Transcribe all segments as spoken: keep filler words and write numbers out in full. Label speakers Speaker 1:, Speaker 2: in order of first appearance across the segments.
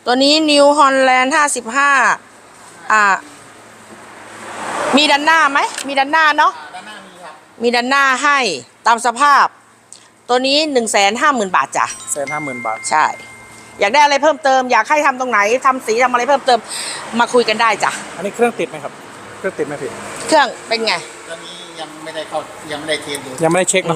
Speaker 1: ตัวนี้นิวฮอลแลนด์ห้าสิบห้าอ่ามีด้านหน้าไหมมีด้านหน้าเนาะ
Speaker 2: ด้านหน้ามีครับ
Speaker 1: มีด้านหน้าให้ตามสภาพตัวนี้หนึ่งแสนห้าหมื่นบาทจ้ะ
Speaker 3: แสนห้าหมื่นบาท
Speaker 1: ใช่อยากได้อะไรเพิ่มเติมอยากให้ทำตรงไหนทำสีทำอะไรเพิ่มเติมมาคุยกันได้จ้ะ
Speaker 3: อันนี้เครื่องติดไหมครับเครื่องติดไหมพี่
Speaker 1: เครื่องเป็นไง
Speaker 2: ตอนนี้ยังไม่ได้เข้ายังไม่ได้เทสดู
Speaker 3: ยังไม่ได้เช็คเนาะ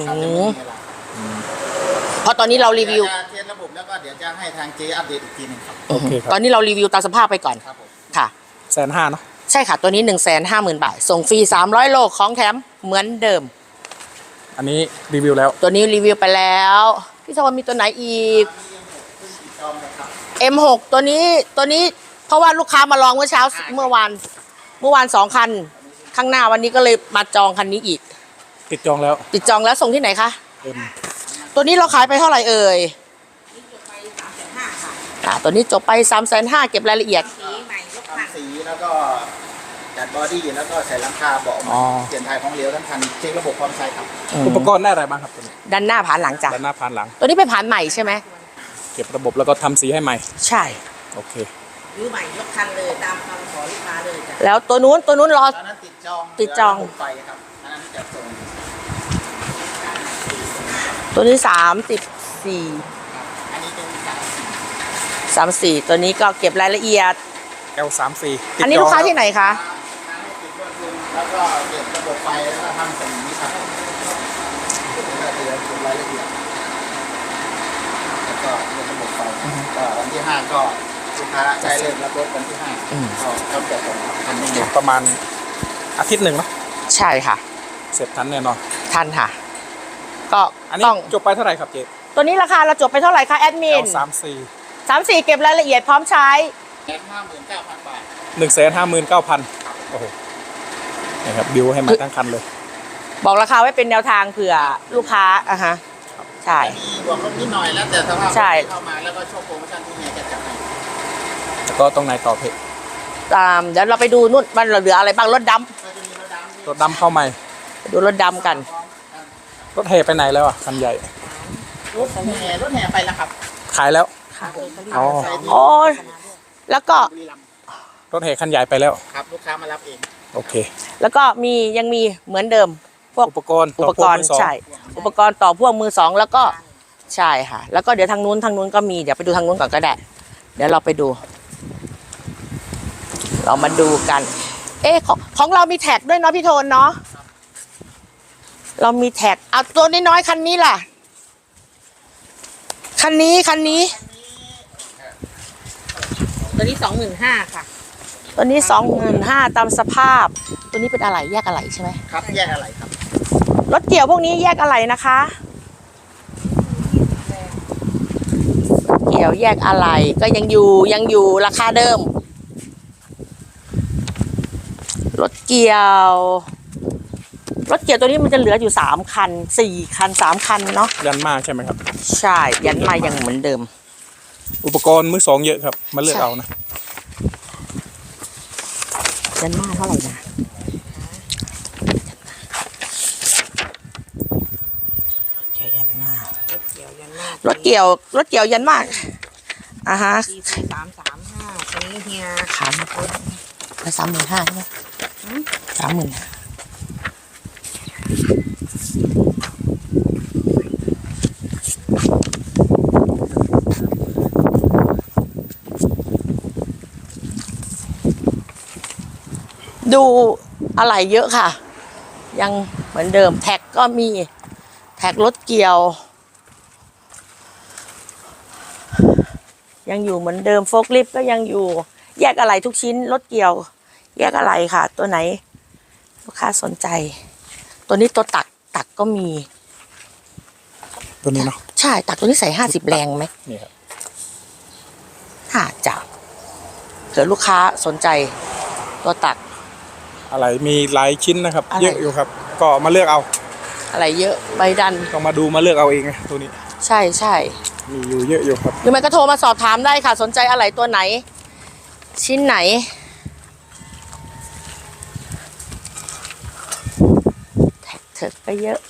Speaker 1: เพราะตอนนี้เรารีวิว
Speaker 2: เทสระบบแล้วก็เดี๋ยวจะให้ทางเจอัปเดตอีกทีนึงครับ
Speaker 3: โอเคครับ
Speaker 1: ตอนนี้เรารีวิวตามสภาพไปก่อน
Speaker 2: ครับผม
Speaker 1: ค่ะ
Speaker 3: แสนห้าเนาะ
Speaker 1: ใช่ค่ะตัวนี้หนึ่งแสนห้าหมื่นบาทส่งฟรีสามร้อยโลของแถมเหมือนเดิม
Speaker 3: อันนี้รีวิวแล้ว
Speaker 1: ตัวนี้รีวิวไปแล้วพี่ชวนมีตัวไหนอีก เอ็ม หก ตัวนี้ตัวนี้เพราะว่าลูกค้ามาลองเมื่อเช้าเมื่อวานเมื่อวานสองคันข้างหน้าวันนี้ก็เลยมาจองคันนี้อีก
Speaker 3: ติดจองแล้ว
Speaker 1: ติดจองแล้วส่งที่ไหนคะ
Speaker 3: เอ็ม
Speaker 1: ตัวนี้เราขายไปเท่าไหร่เอ่ยอ่าตัวนี้จบไปสามแสนห้าเก็บรายละเอียด
Speaker 2: สีใหม่ยกคันสีแล้วก็จัดบอดี้แล้วก็ใส่หลังคาเบาะเปลี่ยนถ่ายของเหลวทั้งคันเช็คระบบความใช้ครับ
Speaker 3: อุปกรณ์ได้อะไรบ้างครับตัวนี้
Speaker 1: ด้านหน้าผ่านหลังจ้ะ
Speaker 3: ด้านหน้าผ่านหลัง
Speaker 1: ตัวนี้เป็นผ่านใหม่ใช่ไหม
Speaker 3: เก็บระบบแล้วก็ทำสีให้ใหม่
Speaker 1: ใช่
Speaker 3: โอเค
Speaker 1: รื้อใหม่ยกคันเลยตามคำขอลูกค้าเลยจ้ะแล้วตัวนู้นตัวนู้นรอ
Speaker 2: ตอนนั้นติดจอง
Speaker 1: ติดจอง
Speaker 2: ไปครับอันนั้นจะส่ง
Speaker 1: ตัวนี้สามสิบสี่
Speaker 2: อันนี้เป็นสาม
Speaker 1: สามสี่ตัวนี้ก็เก็บรายละเอียด
Speaker 3: แอล สามสี่
Speaker 1: อันนี้ลูกค้าที่ไหนคะ
Speaker 2: ติดรถลุงแล้วก็เก็บระบบไฟแล้วก็ทำสีนี้ครับแล้วก็เดี๋ยวเก็บรายละเอียดแล้วก็เรื่องระบบไฟก็วันที่ห้าก็ลูกค้าใช้เริ่มรับรถวันที่ห้าก็เขาจะส่งทันที
Speaker 3: ประมาณอาทิตย์หนึ่งเนาะ
Speaker 1: ใช่ค่ะ
Speaker 3: เสร็จทันแน่นอน
Speaker 1: ทันค่ะก็
Speaker 3: อันนี้จบไปเท่าไหร่ครับเจ๊
Speaker 1: ตัวนี้ราคาเราจบไปเท่าไหร่คะแอดมิน
Speaker 3: สามสี่
Speaker 1: สามสี่เก็บรายละเอียดพร้อมใช้
Speaker 2: แสนห้าหมื่นเก้าพันบาท
Speaker 3: หนึ่งแสนห้าหมื่นเก้าพันโอ้โหนะครับบิวให้มาทั้งคันเลย
Speaker 1: บอกราคาไว้เป็นแนวทางเผื่อลูกค้าอ่ะฮะใช่
Speaker 2: มีบวกลบนิดหน่อยแล้วแต่สภาพเข้ามาแล้วก็โชว์โปรโมชั่นที่เนี่ยจะจัดให้
Speaker 3: แล้วก็ตรงไหนต่อเพจ
Speaker 1: ตามเดี๋ยวเราไปดูนู่นมันเหลืออะไรบ้างรถด
Speaker 3: ำรถดำเข้าใหม่
Speaker 1: ดูรถดำกัน
Speaker 3: รถแห่ไปไหนแล้วอ่ะคันใหญ่
Speaker 2: รถแห่รถแห่ไปแล้วครับ
Speaker 3: ขายแล้วอ๋อ
Speaker 1: โอ้แล้วก็
Speaker 3: รถแห่คันใหญ่ไปแล้ว
Speaker 2: ครับลูกค้ามารับเอง
Speaker 3: โอเค
Speaker 1: แล้วก็มียังมีเหมือนเดิมพวก
Speaker 3: อุปกรณ์
Speaker 1: อุปกรณ์ใช่อุปกรณ์ต่อพ่วงมือสองแล้วก็ใช่ค่ะแล้วก็เดี๋ยวทางนู้นทางนู้นก็มีเดี๋ยวไปดูทางนู้นก่อนก็ได้เดี๋ยวเราไปดูเรามาดูกันเอ๊ะของของเรามีแท็กด้วยเนาะพี่โทนเนาะเรามีแท็กเอาตัวน้อยๆคันนี้ล่ะคันนี้คันนี้ตัวนี้สองหมื่นห้าค่ะตัวนี้สองหมื่นห้าตามสภาพตัวนี้เป็นอะไรแยกอะไรใช่ไหม
Speaker 2: ครับแยกอะไรครับ
Speaker 1: รถเกี่ยวพวกนี้แยกอะไรนะคะเกี่ยวแยกอะไรก็ยังอยู่ยังอยู่ราคาเดิมรถเกี่ยวรถเกี่ยวตัวนี้มันจะเหลืออยู่สามคันสี่คันสามคันเนาะ
Speaker 3: ยันมาใช่ไหมครับ
Speaker 1: ใช่ยันมายังเหมือนเดิม
Speaker 3: อุปกรณ์มือสองเยอะครับมาเลือกเอานะ
Speaker 1: ยันมาเท่าไหร่นะยันมารถเกี่ยวยันมารถเกี่ยวรถเกี่ยวยันมากอ่ะฮะ
Speaker 4: สามสามห้าตัวนี้เฮีย
Speaker 1: ขายมาคนละสามหมื่นห้าใช่ไหมสามหมื่นดูอะไรเยอะค่ะยังเหมือนเดิมแท็กก็มีแท็กรถเกี่ยวยังอยู่เหมือนเดิมโฟล์คลิฟต์ก็ยังอยู่แยกอะไรทุกชิ้นรถเกี่ยวแยกอะไรค่ะตัวไหนลูกค้าสนใจตัวนี้ตัวตักตักก็มี
Speaker 3: ตัวนี้เนาะ
Speaker 1: ใช่ตักตัวนี้ใส่ห้าสิบแรงไหม
Speaker 3: นี่ครับ
Speaker 1: ห้าจับเผื่อลูกค้าสนใจตัวตัก
Speaker 3: อะไรมีหลายชิ้นนะครับเยอะอยู่ครับก็มาเลือกเอา
Speaker 1: อะไรเยอะใบดัน
Speaker 3: ต้องมาดูมาเลือกเอาเองไงตัวนี้
Speaker 1: ใช่ใช่
Speaker 3: มีอยู่เยอะอยู่ครับ
Speaker 1: หรือไม่ก็โทรมาสอบถามได้ค่ะสนใจอะไรตัวไหนชิ้นไหนแท็กเถิดไปเยอะ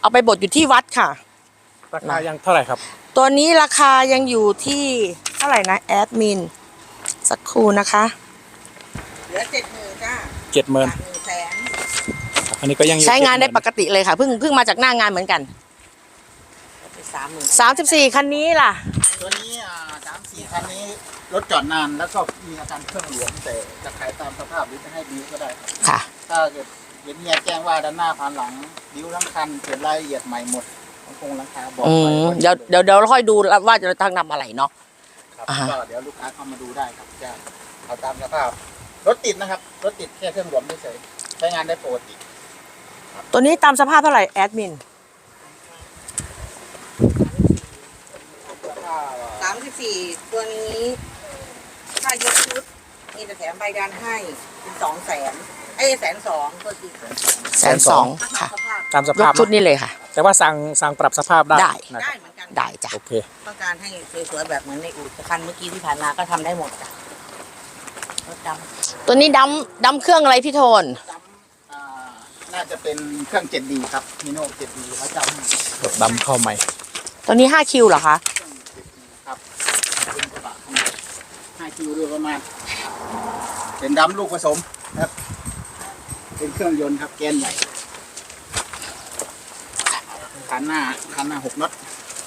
Speaker 1: เอาไปบดอยู่ที่วัดค่ะ
Speaker 3: ราคายังเท่าไหร่ครับ
Speaker 1: ตัวนี้ราคายังอยู่ที่เท่าไหร่นะแอดมินสักครู่นะคะ
Speaker 4: เหลือเจ็ดหมื่นจ้า
Speaker 3: เจ็ดหมื่น
Speaker 4: หนึ่งแสน
Speaker 3: อันนี้ก็ยังอยู่
Speaker 1: ใช้งานได้ป
Speaker 3: เจ็หมื่
Speaker 1: กติเลยค่ะเพิ่งเพิ่งมาจากหน้างานเหมือนกัน
Speaker 4: เป็นสามหมื่น
Speaker 1: สามสิบสี่คันนี้ล่ะ
Speaker 2: ตัวนี้อ่าสามสี่คันนี้รถจอดนานแล้วก็มีอาการเครื่องหลวมแต่จะขายตามสภาพหรือจะให้บิวก็ได้ครับ
Speaker 1: ค่ะ
Speaker 2: ถ้าเกิดเห็นเฮียแจ้งว่าด้านหน้าผ่านหลังบิวทั้งคันเขียนรายละเอียดใหม่หมดของโครงหลังคาบอก
Speaker 1: อื
Speaker 2: ไป
Speaker 1: ม
Speaker 2: ว่า
Speaker 1: เดี๋ยวเดี๋ยวเดี๋ยวเราค่อยดูว่าจะทางนำอะไรเนาะ
Speaker 2: ครับ
Speaker 1: อ่าฮะ
Speaker 2: ก็เดี๋ยวลูกค้าเข้ามาดูได้ครับจะเอาตามสภาพรถติดนะครับรถติดแค่เครื่องหลวมเฉยๆใช้งานได้ปกติ
Speaker 1: ตัวนี้ตามสภาพเท่าไหร่แอดมิน
Speaker 2: แล้วก็
Speaker 4: สามสิบสี่ตัวนี้ถ้ายกชุดมีแต่แถมใบดันให้เป็นสองแสนไอ้แสนสองตัวจริง
Speaker 1: แสนสองค่ะ
Speaker 4: สภาพ
Speaker 3: ตามส
Speaker 1: ย
Speaker 3: ภาก พ
Speaker 1: ชุดนี้เลยค่ะ
Speaker 3: แต่ว่าสั่งสั่งปรับสภาพได้
Speaker 1: ได้
Speaker 3: นะค
Speaker 4: ได้
Speaker 3: รับ
Speaker 4: เหมือนกัน
Speaker 1: ได้จ้ะ
Speaker 3: โอเค
Speaker 4: ต้องการให้สวยๆแบบเหมือนในอู่แต่คันเมื่อกี้ที่ผ่านมาก็ทำได้หมดจ้ะรถดำ
Speaker 1: ตัวนี้ดำดำเครื่องอะไรพี่โทน
Speaker 2: จำอ่าน่าจะเป็นเครื่อง เจ็ดดี ครับมิโน่ เจ็ดดี แล้วจำ
Speaker 3: รถดำเข้าใหม่
Speaker 1: ตัวนี้ห้าคิวเหรอคะ
Speaker 2: เครื่อง เจ็ดดี ครับเป็นกระบะขนาดห้าคิวด้วยประมาณเป็นดำลูกผสมครับ เป็นเครื่องยนต์ครับแกนใหญ่คันหน้าคันหน้าหกน็อต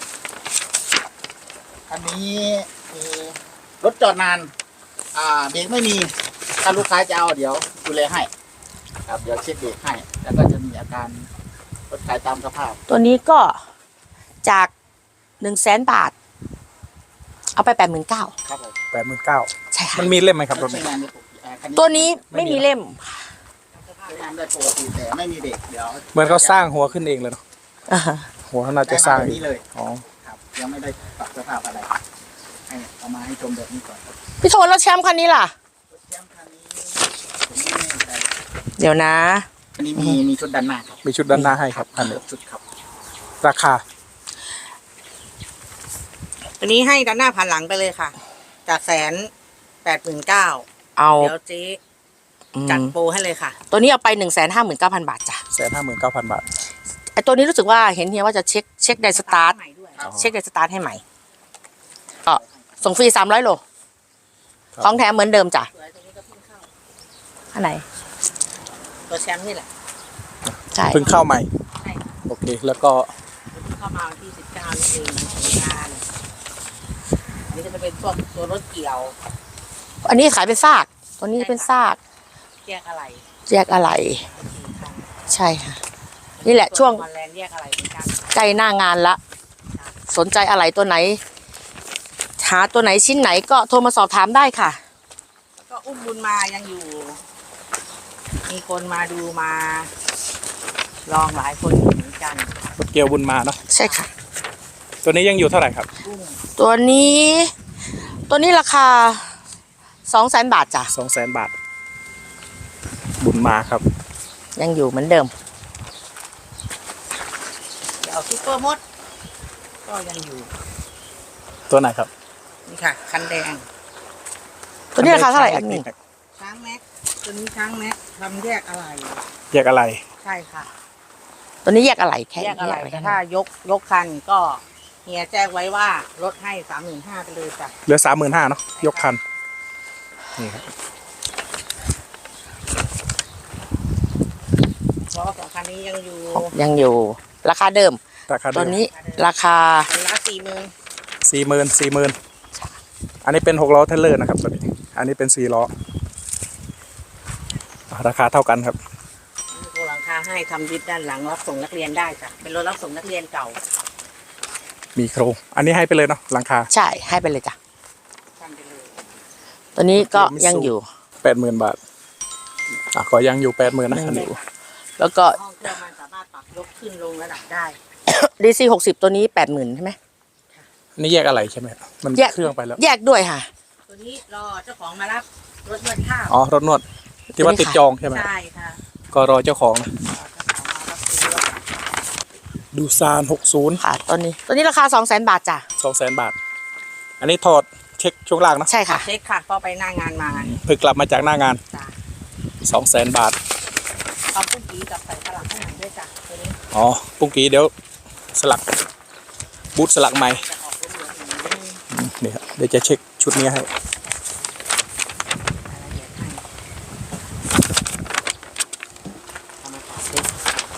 Speaker 2: คันนี้มีรถจอดนาน อ่าเบรกไม่มีถ้าลูกค้าจะเอาเดี๋ยวดูแลให้ ครับเดี๋ยวเช็คเบรกให้ แล้วก็จะมีอาการรถขายตามสภาพ
Speaker 1: ตัวนี้ก็จากหนึ่งแสนบาท เอาไปแปดหมื่นเก้า
Speaker 2: ครับผม
Speaker 3: แปดหมื่นเก้า
Speaker 1: ใช่ค่ะ
Speaker 3: มันมีเล่มไหมครับรถ
Speaker 2: ใช้
Speaker 3: นี้
Speaker 2: งานได้ปกติอ่าคั
Speaker 1: ตัวนี้ไม่มีเล่ม
Speaker 2: ใช้งานได้ปกติแต่ไม่มีเบรกเดี๋ยว
Speaker 3: เหมือนเขาสร้างหัวขึ้นเองเลยเนาะ
Speaker 1: อ่าฮะ
Speaker 3: หัวเขาน่า
Speaker 2: ได้
Speaker 3: จะ
Speaker 2: มา
Speaker 3: สร้าง
Speaker 2: แบบ
Speaker 3: เอง
Speaker 2: นี้เลย
Speaker 3: อ๋อ
Speaker 2: ครับยังไม่ได้ปรับสภาพอะไรให้เอามาให้ชมแบบนี้ก่อนครับ
Speaker 1: พี่โทนแล้วแชมป์คันนี้ล่ะ
Speaker 2: รถแชมป์คันนี้ผมไม่แน่ใจ
Speaker 1: เดี๋ยวนะ
Speaker 2: อันนี้มีมีชุดด้านหน้าครับ
Speaker 3: มีชุดด้านหน้าให้ครับอันนี้
Speaker 2: ชุดครับ
Speaker 3: ราคา
Speaker 4: ตัวนี้ให้ด้านหน้าผ่านหลังไปเลยค่ะ จากแสนแปดหมื่นเก้า
Speaker 1: เอา
Speaker 4: เดี๋ยวเจ๊
Speaker 1: อืม
Speaker 4: จัดโปรให้เลยค่ะ
Speaker 1: ตัวนี้เอาไปหนึ่งแสนห้าหมื่นเก้าพันบาทจ้ะ
Speaker 3: แสนห้าหมื่นเก้าพันบาท
Speaker 1: ไอตัวนี้รู้สึกว่าเห็นเฮียว่าจะเช็คเช็คไดสตาร์ท
Speaker 4: ใหม่ด้วย
Speaker 3: อ๋อ
Speaker 1: เช็คไดสตาร์ทให้ใหม่ก็ส่งฟรีสามร้อยโล
Speaker 3: ครับ
Speaker 1: ของแถมเหมือนเดิมจ้ะ
Speaker 4: สวยตัวนี้ก็เพิ่งเข้า
Speaker 1: อันไหน
Speaker 4: ตัวแชมป์นี่แหละ
Speaker 1: ใช่
Speaker 3: เพิ่งเข้าใหม่
Speaker 4: ใช่ค่ะ
Speaker 3: โอเค แล้วก็
Speaker 4: เพิ่งเข้ามาวันที่สิบเก้านี่เองของงานอันนี้ก็จะเป็นพวกตัวรถเกี่ยว
Speaker 1: อันนี้ขายเป็นซากตัวนี้เป็นซาก
Speaker 4: แยกอะไร
Speaker 1: แยกอะไร
Speaker 4: สี่คัน
Speaker 1: ใช่ค่ะ นี่แหละช่วง
Speaker 4: มาแลนด์แยกอะไรเหมือนกัน
Speaker 1: ใกล้หน้างานละ สนใจอะไรตัวไหน หาตัวไหนชิ้นไหนก็โทรมาสอบถามได้ค่ะ
Speaker 4: แล้วก็อุ้มบุญมายังอยู่ มีคนมาดูมาลองหลายคนอยู่เหมือนกัน
Speaker 3: รถเกียวบุญมาเนาะ
Speaker 1: ใช่ค่ะ
Speaker 3: ตัวนี้ยังอยู่เท่าไหร่ครับ
Speaker 4: อุ้ม
Speaker 1: ตัวนี้ ตัวนี้ราคาสองแสนบาทจ้ะ
Speaker 3: สองแสนบาท บุญมาครับ
Speaker 1: ยังอยู่เหมือนเดิม
Speaker 4: เดี๋ยวเอาซุปเปอร์มด ก็ยังอยู่
Speaker 3: ตัวไหนครับ
Speaker 4: นี่ค่ะ คันแดง
Speaker 1: ตัวนี้ราคาเท่าไหร่อันนี้
Speaker 4: ช้างแม็กตัวนี้ช้างแม็กทำแยกอะไร
Speaker 3: แยกอะไร
Speaker 4: ใช่ค่ะ
Speaker 1: ตัวนี้แยกอะไรแค่
Speaker 4: แยกอะไร
Speaker 1: แย
Speaker 4: แต่
Speaker 1: ก
Speaker 4: ถ้ายกยกคันก็เฮียแจ้งไว้ว่าลดให้สามหมื่นห้าไปเลยจ้ะ
Speaker 3: เหลือสามหมื่นห้าเนาะ ยกคัน นี่ครับ
Speaker 4: เพราะว่าสองคันนี้ยังอยู่
Speaker 1: ยังอยู่ ราคาเดิม
Speaker 3: ราคาเดิ
Speaker 1: ตัว
Speaker 3: ม
Speaker 1: นี้ราคา
Speaker 4: คันละสี่หมื่น
Speaker 3: สี่หมื่นสี่หมื่นอันนี้เป็นหกล้อเทรลเลอร์นะครับตัวนี้ อันนี้เป็นสี่ล้อ ราคาเท่ากันครับ
Speaker 4: มีโครงหลังคาให้ทำยึดด้านหลังรับส่งนักเรียนได้จ้ะเป็นรถรับส่งนักเรียนเก่า
Speaker 3: มีโครง อันนี้ให้ไปเลยเนาะ หลังคา
Speaker 1: ใช่ให้ไปเลยจ้ะ
Speaker 4: ทำไปเลย
Speaker 1: ตัวนี้ก็
Speaker 3: เดี๋ยวมิสู
Speaker 1: ยังอยู่
Speaker 3: แปดหมื่นบาท อ่ะก็ยังอยู่แปดหมื่นนะอันนี้
Speaker 1: แล้วก็
Speaker 4: ห้องเครื่องมันสามารถปรับยกขึ้นลงระดับได้
Speaker 1: ดีซีหกสิบตัวนี้แปดหมื่นใช่ไหม
Speaker 3: อันนี่แยกอะไรใช่ไหมครับมัน
Speaker 1: แยก
Speaker 3: เครื่องไปแล้ว
Speaker 1: แยกด้วยค่ะ
Speaker 4: ตัวนี้รอเจ้าของมารับรถนวดข้าว
Speaker 3: อ๋อ รถนวด ที่ว่าติดจองใช่ไหม
Speaker 4: ใช่ค่ะ
Speaker 3: ก็รอเจ้าของนะ
Speaker 4: รอเจ้าของมารับซื้อรถ
Speaker 3: ดูซานหกศูนย์
Speaker 1: ค่ะ ตัวนี้ ตัวนี้ราคาสองแสนบาทจ้ะ
Speaker 3: สองแสนบาท อันนี้ถอดเช็คช่วงล่างเนอะ
Speaker 1: ใช่ค่ะ
Speaker 4: เช็คค่ะพอไปหน้างานมา
Speaker 3: เพิ่งกลับมาจากหน้างาน
Speaker 4: จ้ะ
Speaker 3: สองแสนบาท
Speaker 4: เอาพุ่งผีกับใส่ฝรั่งข้างในด้วยเลยจ้ะตัวนี้
Speaker 3: อ๋อปุ้งกี้เดี๋ยวสลักบูทสลักใหม่
Speaker 4: จะออกเหลืองๆอย่างนี้
Speaker 3: นี่ครับเดี๋ยวจะเช็คชุดนี้ให้
Speaker 4: รายละเอียดให้เอามาต่อเซ็ต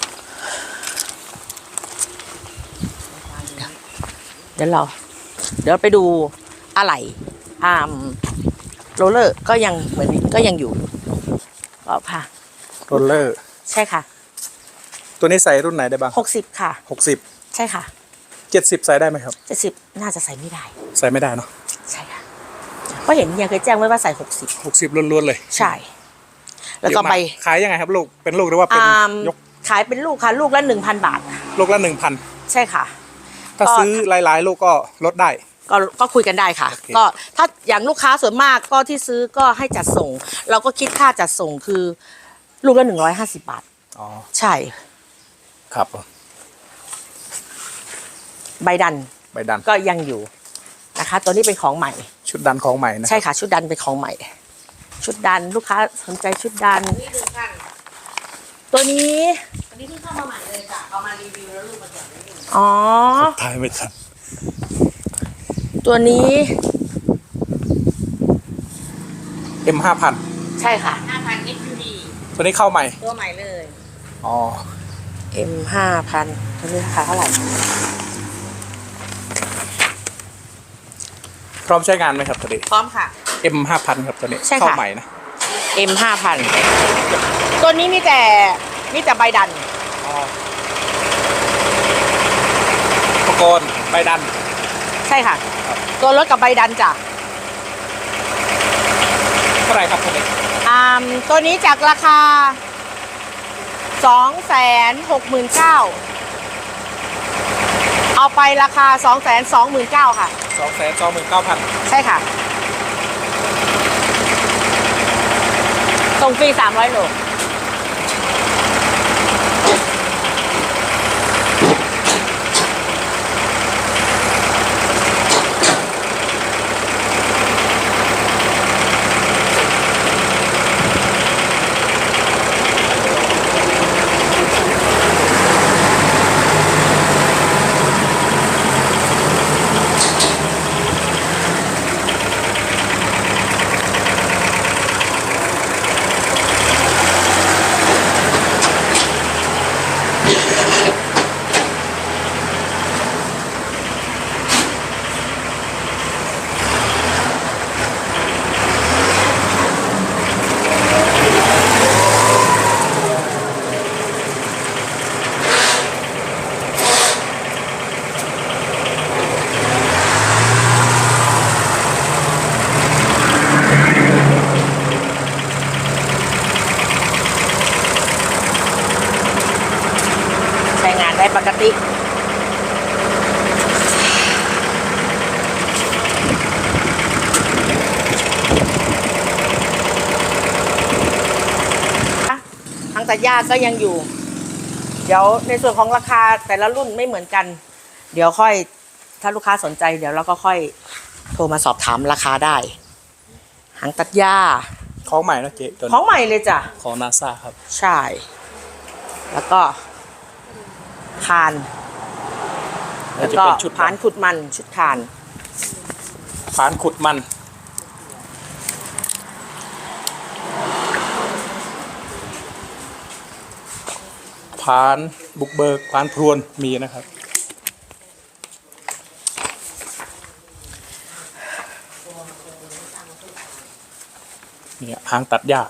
Speaker 1: เดี๋ยวเรา เดี๋ยวไปดูอะไรอ่ามโรลเลอร์ก็ยังเหมือนก็ยังอยู่ก็ค่ะ
Speaker 3: โรลเลอร์
Speaker 1: ใช่ค่ะ
Speaker 3: ตัวนี้ใส่รุ่นไหนได้บ้าง
Speaker 1: หกสิบค่ะ
Speaker 3: หกสิบ
Speaker 1: ใช่ค่ะ
Speaker 3: เจ็ดสิบใส่ได้ไหมครับ
Speaker 1: เจ็ดสิบน่าจะใส่ไม่ได้
Speaker 3: ใส่ไม่ได้เนาะ
Speaker 1: ใช่ค่ะเพราะเห็นเฮียเคยแจ้งไว้ว่าใส่หกสิบ
Speaker 3: หกสิบล้วนๆเลย
Speaker 1: ใช่ แล้วก็
Speaker 3: เยอะมา
Speaker 1: ใบ
Speaker 3: ขายยังไงครับลูกเป็นลูกหรือว่าเป็น
Speaker 1: อ่าม
Speaker 3: ยก
Speaker 1: ขายเป็นลูกค่ะ ลูกละหนึ่งพันบาท
Speaker 3: ลูกละหนึ่งพัน
Speaker 1: ใช่ค่ะ
Speaker 3: ถ้า
Speaker 1: ก็
Speaker 3: ซื้อหลายๆ ลูกก็ลดได้
Speaker 1: ก็ก็คุยกันได้ค่ะ
Speaker 3: โอเค
Speaker 1: ก็ถ้าอย่างลูกค้าส่วนมากก็ที่ซื้อก็ให้จัดส่ง เราก็คิดค่าจัดส่งคือลูกละหนึ่งร้อยห้าสิบบาท
Speaker 3: อ๋อ
Speaker 1: ใช่
Speaker 3: ครับ
Speaker 1: ใบดัน
Speaker 3: ใบดัน
Speaker 1: ก็ยังอยู่นะคะ ตัวนี้เป็นของใหม่
Speaker 3: ชุดดันของใหม่นะ
Speaker 1: ใช่ค่ะ ชุดดันเป็นของใหม่ ชุดดันลูกค้าสนใจชุดดัน
Speaker 4: นี่ดูกัน
Speaker 1: ตัวนี้
Speaker 4: อันนี้เพิ่งเข้ามาใหม่เลยจ้ะเอามารีวิวแล้วลูกมาจอดไว้อยู่
Speaker 1: อ๋อ
Speaker 3: ทายไม่ทัน
Speaker 1: ตัวนี้
Speaker 3: เอ็มห้าพัน
Speaker 1: ใช่ค่ะ
Speaker 4: ห้าพันเอ็กซ์ยูดี
Speaker 3: ตัวนี้เข้าใหม่
Speaker 4: ตัวใหม่เลย
Speaker 3: อ๋อ
Speaker 1: M ห้าพันตัวนี้ราคาเท่าไหร่
Speaker 3: พร้อมใช้งานไหมครับตัวนี้
Speaker 4: พร้อมค่ะ
Speaker 3: เอ็มห้าพันครับตัวนี้
Speaker 1: ใช่ค่ะ
Speaker 3: เข้าใหม่นะ
Speaker 1: M ห้าพันตัวนี้มีแต่มีแต่ใบดัน
Speaker 3: อ๋ออุปกรณ์ใบดัน
Speaker 1: ใช่ค่ะ
Speaker 3: ครับ
Speaker 1: ตัวรถกับใบดันจ้ะ
Speaker 3: เท่าไหร่ครับตัวนี้
Speaker 1: อ่าตัวนี้จากราคาสองแสนหกหมื่นเก้าเอาไปราคาสองแสนสองหมื่นเก้าค่ะ
Speaker 3: สองแสนสองหมื่นเก้าพัน
Speaker 1: ใช่ค่ะ ส่งฟรีสามร้อยโล ใช้งานได้ปกติ ทางตัดหญ้าก็ยังอยู่ เดี๋ยวในส่วนของราคาแต่ละรุ่นไม่เหมือนกัน เดี๋ยวค่อยถ้าลูกค้าสนใจ เดี๋ยวเราก็ค่อยโทรมาสอบถามราคาได้ หางตัดหญ้า
Speaker 3: ของใหม่นะเจ๊ตัว
Speaker 1: ขอ
Speaker 3: นี้
Speaker 1: งใหม่เลยจ้ะ
Speaker 3: ของนาซาครับ
Speaker 1: ใช่ แล้วก็ คาน
Speaker 3: แล้
Speaker 1: แล้ว ว
Speaker 3: จะ
Speaker 1: ก็
Speaker 3: เป็นชุด
Speaker 1: ผานขุดมันชุดคาน
Speaker 3: ผานขุดมัน ผานบุกเบิกผานพรวนมีนะครับ เนี่ยหางตัดหญ้า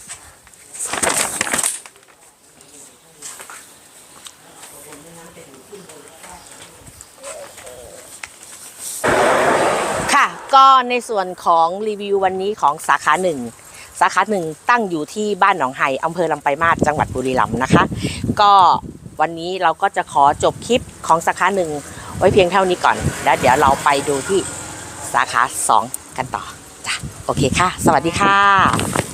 Speaker 1: ค่ะ ก็ในส่วนของรีวิววันนี้ของสาขาหนึ่งสาขาหนึ่งตั้งอยู่ที่บ้านหนองไฮอำเภอลำปลายมาศจังหวัดบุรีรัมย์นะคะ ก็วันนี้เราก็จะขอจบคลิปของสาขาหนึ่งไว้เพียงเท่านี้ก่อน แล้วเดี๋ยวเราไปดูที่สาขาสองกันต่อจ้ะโอเคค่ะ สวัสดีค่ะ